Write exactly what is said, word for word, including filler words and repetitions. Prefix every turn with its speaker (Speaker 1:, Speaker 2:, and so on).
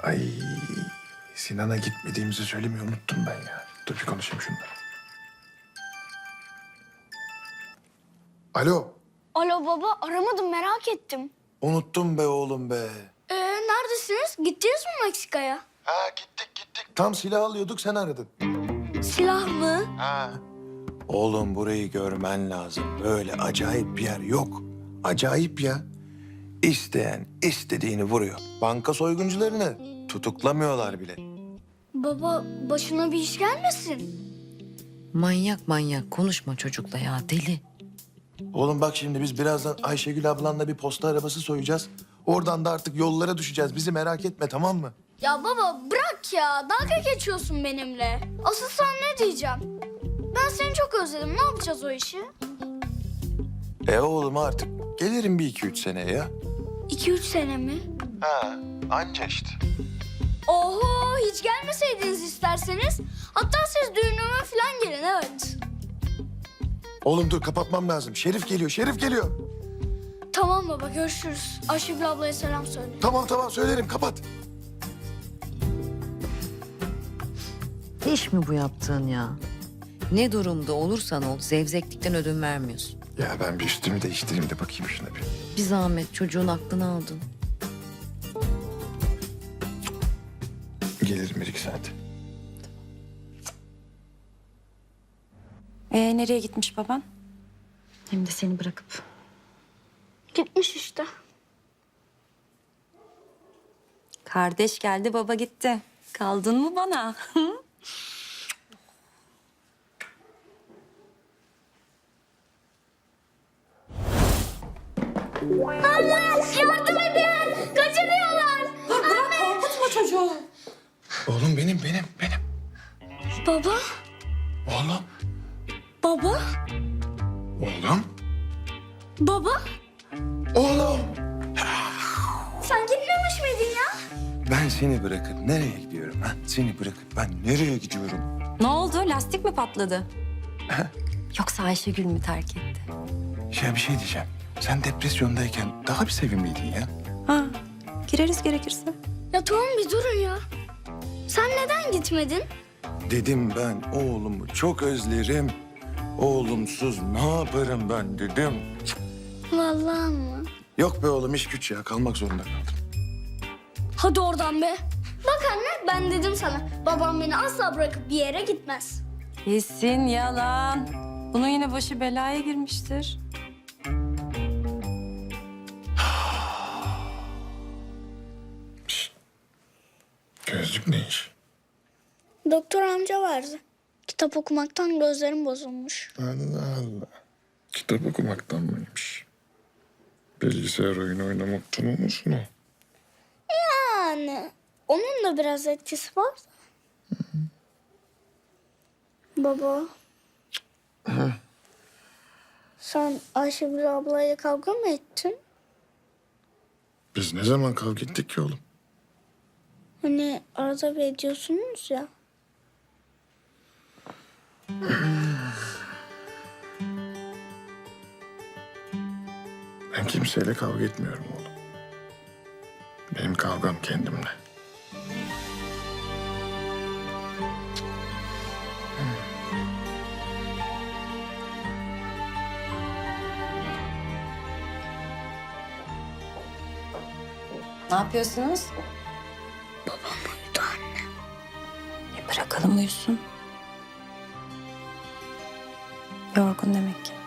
Speaker 1: Ay Sinan'a gitmediğimizi söylemeyi unuttum ben ya. Dur bir konuşayım şunları. Alo.
Speaker 2: Alo baba, aramadım, merak ettim.
Speaker 1: Unuttum be oğlum be.
Speaker 2: Ee, neredesiniz? Gittiniz mi Meksika'ya?
Speaker 1: Ha gittik gittik. Tam silah alıyorduk sen aradın.
Speaker 2: Silah mı?
Speaker 1: Ha. Oğlum burayı görmen lazım. Böyle acayip bir yer yok. Acayip ya. İsteyen istediğini vuruyor. Banka soyguncularını tutuklamıyorlar bile.
Speaker 2: Baba, başına bir iş gelmesin.
Speaker 3: Manyak manyak konuşma çocukla ya, deli.
Speaker 1: Oğlum bak şimdi biz birazdan Ayşegül ablanla bir posta arabası soyacağız. Oradan da artık yollara düşeceğiz. Bizi merak etme, tamam mı?
Speaker 2: Ya baba bırak ya, dalga geçiyorsun benimle. Asıl sana ne diyeceğim? Ben seni çok özledim, ne yapacağız o işi?
Speaker 1: E oğlum artık gelirim bir iki üç seneye ya.
Speaker 2: İki üç sene mi?
Speaker 1: Ha anca işte.
Speaker 2: Oho, hiç gelmeseydiniz isterseniz. Hatta siz düğünüme falan gelin, evet.
Speaker 1: Oğlum dur kapatmam lazım. Şerif geliyor, Şerif geliyor.
Speaker 2: Tamam baba, görüşürüz. Ayşegül ablaya selam söyle.
Speaker 1: Tamam tamam söylerim, kapat.
Speaker 3: İş mi bu yaptığın ya? Ne durumda olursan ol, zevzeklikten ödün vermiyorsun.
Speaker 1: Ya ben bir üstümü değiştireyim de bakayım şuna bir.
Speaker 3: Bir zahmet çocuğun aklını aldın.
Speaker 1: Gelirim bir iki saat.
Speaker 4: Ee, nereye gitmiş baban? Hem de seni bırakıp.
Speaker 2: Gitmiş işte.
Speaker 4: Kardeş geldi, baba gitti. Kaldın mı bana?
Speaker 2: Yardım edin! Kaçırıyorlar!
Speaker 4: Dur bırak, korkutma çocuğu.
Speaker 1: Oğlum benim, benim, benim.
Speaker 2: Baba,
Speaker 1: Oğlum,
Speaker 2: baba,
Speaker 1: oğlum,
Speaker 2: baba.
Speaker 1: oğlum.
Speaker 2: Sen gitmemiş miydin ya?
Speaker 1: Ben seni bırakıp nereye gidiyorum ha? Seni bırakıp ben nereye gidiyorum?
Speaker 4: Ne oldu? Lastik mi patladı? Yoksa Ayşegül mü terk etti?
Speaker 1: Ya bir şey diyeceğim. Sen depresyondayken daha bir sevimliydin ya.
Speaker 4: Ha, gireriz gerekirse.
Speaker 2: Ya tamam bir durun ya. Sen neden gitmedin?
Speaker 1: Dedim ben oğlumu çok özlerim. Oğlumsuz ne yaparım ben dedim.
Speaker 2: Vallahi mı?
Speaker 1: Yok be oğlum iş güç ya kalmak zorunda kaldım.
Speaker 2: Hadi oradan be. Bak anne ben dedim sana. Babam beni asla bırakıp bir yere gitmez.
Speaker 4: Kesin yalan. Bunun yine başı belaya girmiştir.
Speaker 1: Gözlük ne iş?
Speaker 2: Doktor amca verdi. Kitap okumaktan gözlerim bozulmuş.
Speaker 1: Allah Allah. Kitap okumaktan mıymış? Bilgisayar oyunu oynamaktan olmasın o?
Speaker 2: Yani onun da biraz etkisi var da. Baba. Sen Ayşegül ablayla kavga mı ettin?
Speaker 1: Biz ne zaman kavga ettik ki oğlum?
Speaker 2: Hani arada bir ediyorsunuz ya.
Speaker 1: Ben kimseyle kavga etmiyorum oğlum. Benim kavgam kendimle.
Speaker 4: Ne yapıyorsunuz?
Speaker 2: Babam uyudu anne.
Speaker 4: E bırakalım uyusun. Yorgun demek ki.